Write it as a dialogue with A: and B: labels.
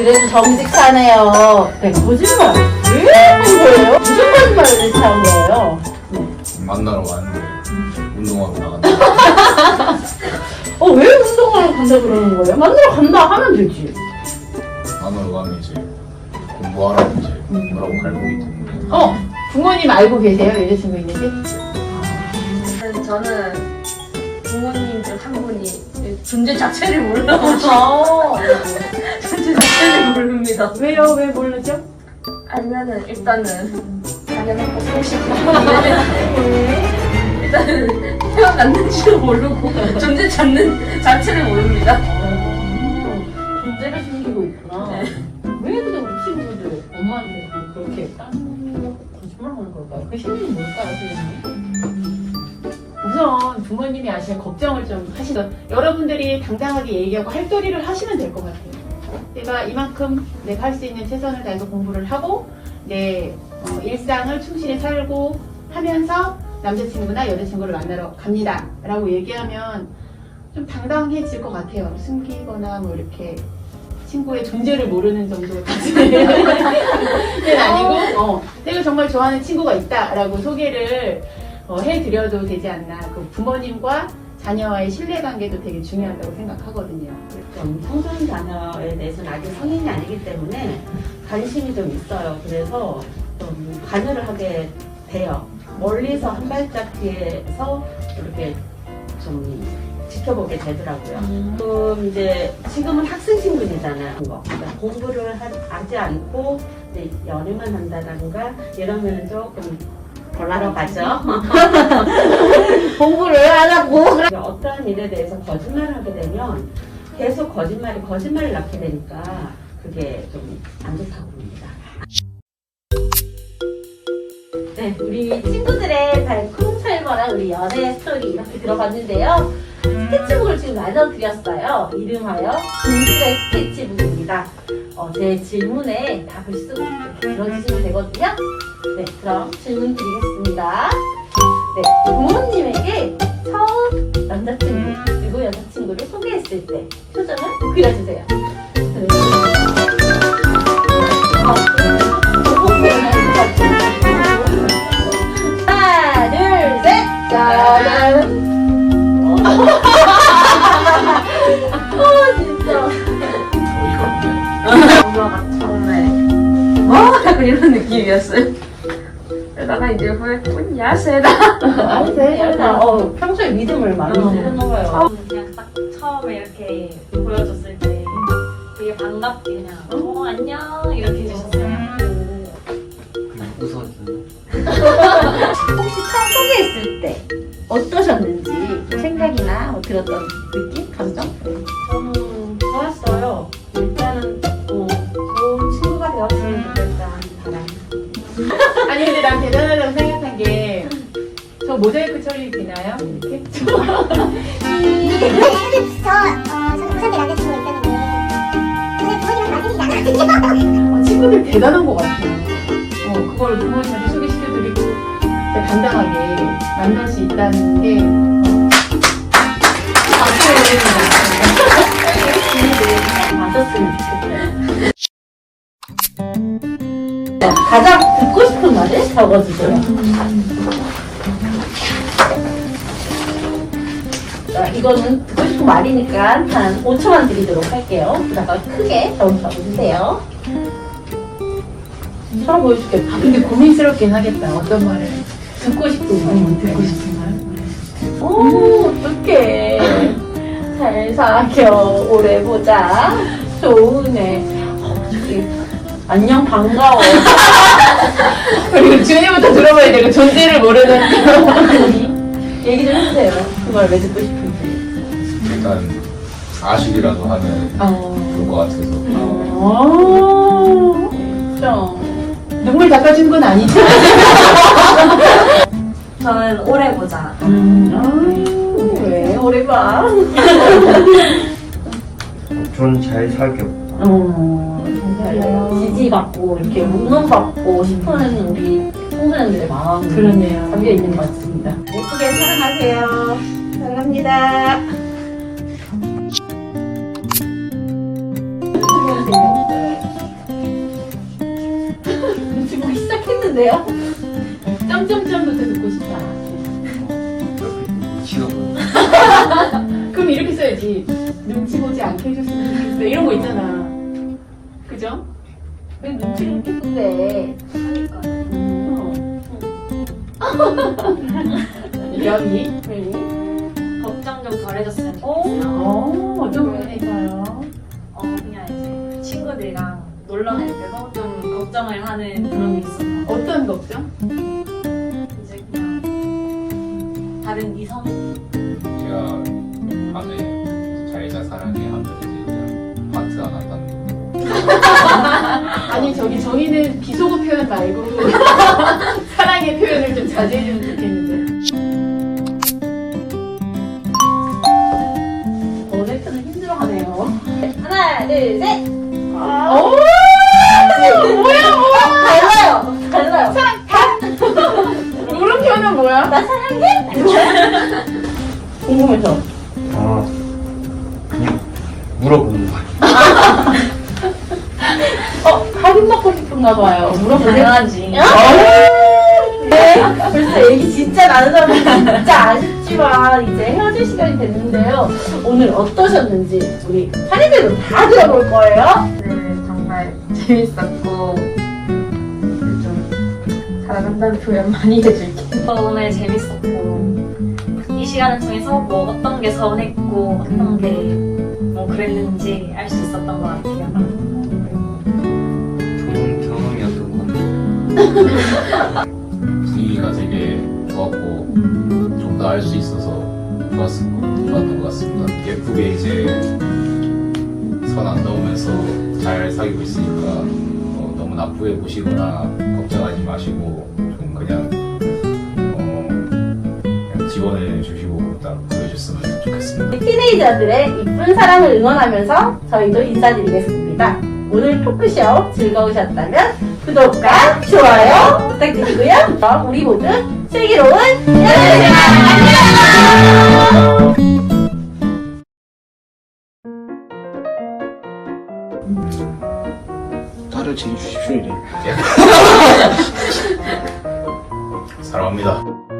A: 그래도 정직하네요. 네, 거짓말. 왜 한 거예요? 무슨 거짓말을 대체 한 거예요? 네.
B: 만나러 왔는데 운동하러 나간다.
A: 왜 운동하러 간다 그러는 거예요? 만나러 간다 하면 되지.
B: 만나러 가면 이제 공부하라고 이제 뭐라고 갈고기 때문에.
A: 부모님 알고 계세요? 여자친구 있는지?
C: 저는 부모님 중 한 분이 존재 자체를 몰라요. 존재 자체를 모릅니다.
A: 왜요? 왜 모르죠?
C: 알면은 일단은 당연히 뽑고 싶은데 일단은 태어났는지도 모르고 존재 자체를 모릅니다.
A: 존재를 숨기고 있구나.
C: 네.
A: 왜 근데 우리 친구들 엄마한테 그렇게 거짓말하는 걸까요? 그 심리는 뭘까요, 선생님? 우선 부모님이 아시는 걱정을 좀 하시던 여러분들이 당당하게 얘기하고 할 도리를 하시면 될 것 같아요. 내가 이만큼 내가 할 수 있는 최선을 다해서 공부를 하고 내 일상을 충실히 살고 하면서 남자친구나 여자친구를 만나러 갑니다 라고 얘기하면 좀 당당해질 것 같아요. 숨기거나 뭐 이렇게 친구의 존재를 모르는 정도까지는 아니고 내가 정말 좋아하는 친구가 있다라고 소개를 해드려도 되지 않나. 그 부모님과 자녀와의 신뢰관계도 되게 중요하다고 생각하거든요.
D: 청소년 자녀에 대해서는 아직 성인이 아니기 때문에 관심이 좀 있어요. 그래서 좀 관여를 하게 돼요. 멀리서 한 발짝 뒤에서 이렇게 좀 지켜보게 되더라고요. 그럼 이제 지금은 학생 신분이잖아요. 그러니까 공부를 하지 않고 이제 연애만 한다던가 이러면 조금 곤란하러 가죠.
A: 공부를 안 하고
D: 어떠한 일에 대해서 거짓말을 하게 되면 계속 거짓말을 낳게 되니까 그게 좀 안 좋다고 봅니다.
A: 네, 우리 친구들의 달콤살벌한 우리 연애 스토리 이렇게 들어봤는데요. 스케치북을 지금 나눠드렸어요. 이름하여 진실의 스케치북입니다. 제 질문에 답을 쓰고 이렇게 들어주시면 되거든요. 네, 그럼 질문 드리겠습니다. 네, 부모님에게 처음 남자친구 그리고 여자친구를 소개했을 때 표정을 그려주세요. 하나, 둘, 셋! 짜잔! 진짜.
B: 어이가 없네.
C: 엄마가 처음에 약간 이런 느낌이었어요. 그러다가 이제 후에 야세다.
A: 아니세요? 평소에 믿음을 많이 주셨나 봐요.
C: 그냥 딱 처음에 이렇게 보여줬을 때 되게 반갑게 그냥 안녕 이렇게 해주셨어요.
E: 그냥 웃어주는.
A: 혹시 처음 소개했을 때 어떠셨는지 좀 생각이나 뭐 들었던 느낌? 감정?
D: 저는 좋았어요. 일단은 좋은 친구가 되었으면 좋겠다는 바람.
A: 아니 근데 난 대단하다고 생각한 게 저 모자이크 처리 되나요? 이렇게?
F: 저는 우선대 남자친구가 있었는데 저는 부모님은 맞으시잖아요.
A: 친구들 대단한 것 같아요. 그걸 부모님한테 소개시켜드리고 진짜 당당하게 만날 수 있다는 게
D: 맞았으면 좋겠어요.
A: 가장 듣고 싶은 말을 적어주세요. 자, 이거는 듣고 싶은 말이니까 한 5초만 드리도록 할게요. 그다가 크게 적어주세요. 서로 보여줄게. 근데 고민스럽긴 하겠다. 어떤 말을 듣고 싶은 말, 듣고 싶은 말. 어떡해. 잘 사겨. 오래 보자. 좋으네. 저기 안녕 반가워. 그리고 준이부터 들어봐야 되고 존재를 모르는 얘기 좀 해주세요. 그 말 왜 듣고 싶은지.
B: 일단 아쉽이라도 하면 좋을 것 같아서.
A: 진짜 눈물 닦아준 건 아니죠?
C: 저는 오래 보자.
A: 왜 오래 봐?
E: 전 잘 살게요.
A: 지지받고 이렇게 운동받고 싶어하는 우리 청소년들의 마음이
C: 그러네요.
A: 담겨 있는 것 같습니다. 예쁘게 사랑하세요. 사랑합니다. 좋은데요? 점점점부터 듣고 싶다.
E: 미친놈.
A: 그럼 이렇게 써야지. 눈치 보지 않게 해줬으면 좋겠어. 이런 거 있잖아. 그죠? 왜 눈치를 이렇게 본대? 여기?
C: 걱정 좀 덜해줬으면 좋겠어요.
A: 어떤 부분일까요?
C: 그냥 이제 친구들이랑 놀러 갈 때도 좀 걱정을 하는 그런 게 있어요.
A: 어떤 걱정?
C: 이제 그냥 다른 이성?
B: 제가 밤에 잘자 사랑해 하면 이제 그냥 하트 안 한다는 거.
A: 아니 저기 저희는 비속어 표현 말고 사랑의 표현을 좀 자제해주면 좋겠는데. 어네트는 힘들어하네요.
C: 하나, 둘, 셋!
A: 오! 뭐야?
C: 달라요! 달라요!
A: 물음표는 뭐야? 나 사랑해? 궁금해서.
E: 아, 그냥 물어보는 거야.
A: 할인 먹고 싶은가 봐요. 물어보세요.
C: 당연하지.
D: 네, 벌써 얘기 진짜 나누다 보니 진짜 아쉽지만 이제 헤어질 시간이 됐는데요. 오늘 어떠셨는지 우리 한이들도 다 들어볼 거예요.
C: 네, 정말 재밌었고 좀 사랑한다는 표현 많이 해줄게. 오늘 재밌었고 이 시간을 통해서 뭐 어떤 게 서운했고 어떤 게 뭐 그랬는지 알 수 있었던 것 같아요.
E: 좋은 경험이었던 것 같아요.
B: 분위기가 되게 좋았고 좀 더 알 수 있어서 좋았던 것 같습니다. 예쁘게 이제 선 안 넘으면서 잘 사귀고 있으니까 너무 나쁘게 보시거나 걱정하지 마시고 좀 그냥 그냥 지원해 주시고 딱 그러셨으면 좋겠습니다.
D: 티네이저들의 이쁜 사랑을 응원하면서 저희도 인사드리겠습니다. 오늘 토크쇼 즐거우셨다면 구독과 좋아요 부탁드리고요. 그럼 우리 모두 슬기로운 여름생활 안녕!
E: 딸을 지내주십시오, 이래.
B: 사랑합니다.